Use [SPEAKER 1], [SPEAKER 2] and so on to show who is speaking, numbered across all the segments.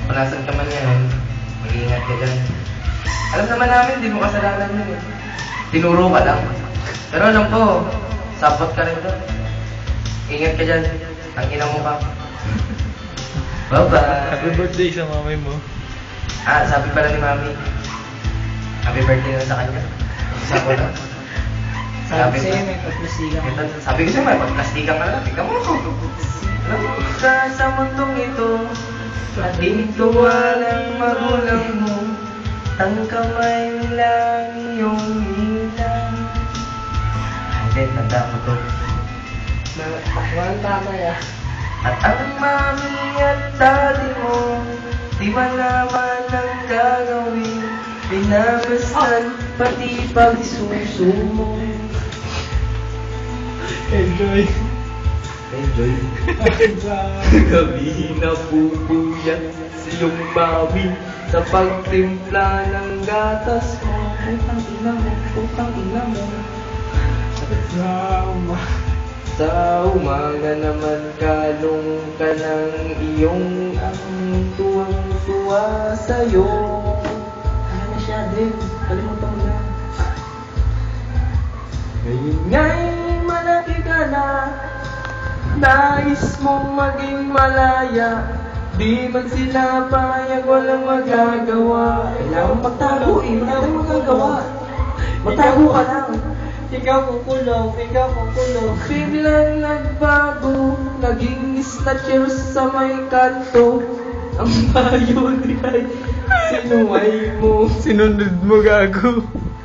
[SPEAKER 1] Kung nasan ka man yan, mag-iingat ka dyan. Alam naman namin, di mo kasalanan yun eh. Tinuro ka lang. Pero alam ko, sapot ka rin doon. Ingat ka dyan. Ang ina mo ka. Bye-bye!
[SPEAKER 2] Happy birthday sa mamay mo.
[SPEAKER 1] Sabi pala ni Mami. Happy birthday na sa kanya. Isa ko lang.
[SPEAKER 3] Sabi sa'yo, may pagplastikan.
[SPEAKER 1] Sabi ko sa'yo, may pagplastikan ka lang. Tingnan mo. Alam mo ka sa mundong ito, at dito walang magulang mo. Ang kamay lang iyong ilang. Hindi, tanda mo to.
[SPEAKER 3] Walang tama yan.
[SPEAKER 1] At ang mami at daddy mo, di malaman ang gagawin. Binabastan, pati pagsusumo.
[SPEAKER 2] Enjoy.
[SPEAKER 1] Enjoy. Gabi na pupuyat sa iyong mami sa pagtimpla ng gatas mo. Putang ina mo, putang ina mo.
[SPEAKER 3] Drama.
[SPEAKER 1] Sa umaga naman kalong ka ng iyong ang tuwang-tuwa sa'yo.
[SPEAKER 3] Ano na siya, Dave? Kalimutan mo na.
[SPEAKER 1] Ngayon nga'y malaki ka na, nais mong maging malaya. Di man sila payag, walang magagawa. Kailangan magtago eh, wala tayong magagawa. Magtago ka lang.
[SPEAKER 3] Ikaw kukulong, ikaw kukulong.
[SPEAKER 1] Biglang nagbago, naging snatcher sa may kanto. Ang bayo ay sinuway mo.
[SPEAKER 2] Sinunod mo, gago.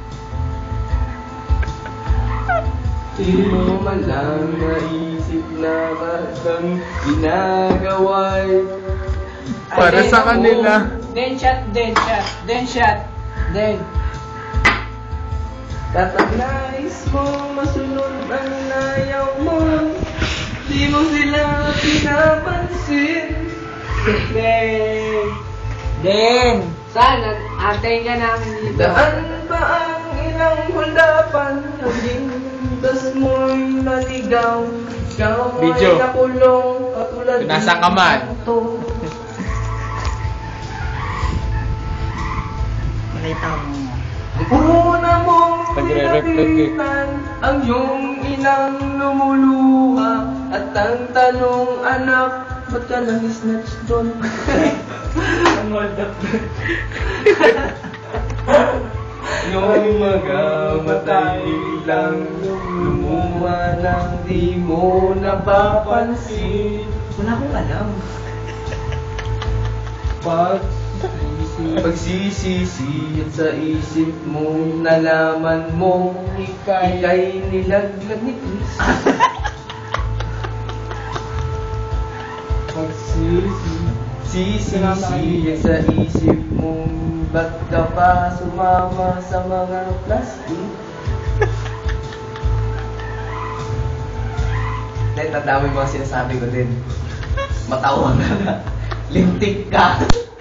[SPEAKER 1] Di mo man lang naisip na kang ginagawa'y
[SPEAKER 2] Para sa kanila.
[SPEAKER 3] Then shot, then shot, then shot, then.
[SPEAKER 1] Kapag nais mo masunod ang nayaw mo, di mo sila pinapansin.
[SPEAKER 3] Then. Saan? Antayin ka namin dito.
[SPEAKER 1] Daan ba ang ilang huldapan? Naging das mo'y naligaw. Ikaw ay
[SPEAKER 2] Video.
[SPEAKER 1] nakulong katulad
[SPEAKER 2] Kung nasa ka man.
[SPEAKER 1] to.
[SPEAKER 3] Malita mo.
[SPEAKER 1] Una mong
[SPEAKER 2] Nagre-reflect eh.
[SPEAKER 1] pinapitan ang iyong inang lumuluha. At ang tanong, anak, ba't ka nang-snatch doon?
[SPEAKER 3] Ang hold up.
[SPEAKER 1] Yung magamatay lang lumuha nang di mo napapansin.
[SPEAKER 3] Wala akong alam.
[SPEAKER 1] Pagsisisi at sa isip mo nalaman mo ika'y nilaglag ni Chris. Pagsisisi at sa isip mo ba't ka pa sumama sa mga plastic? Tandaan mo yung mga sinasabi ko din. Matawa ka na. Lintik ka.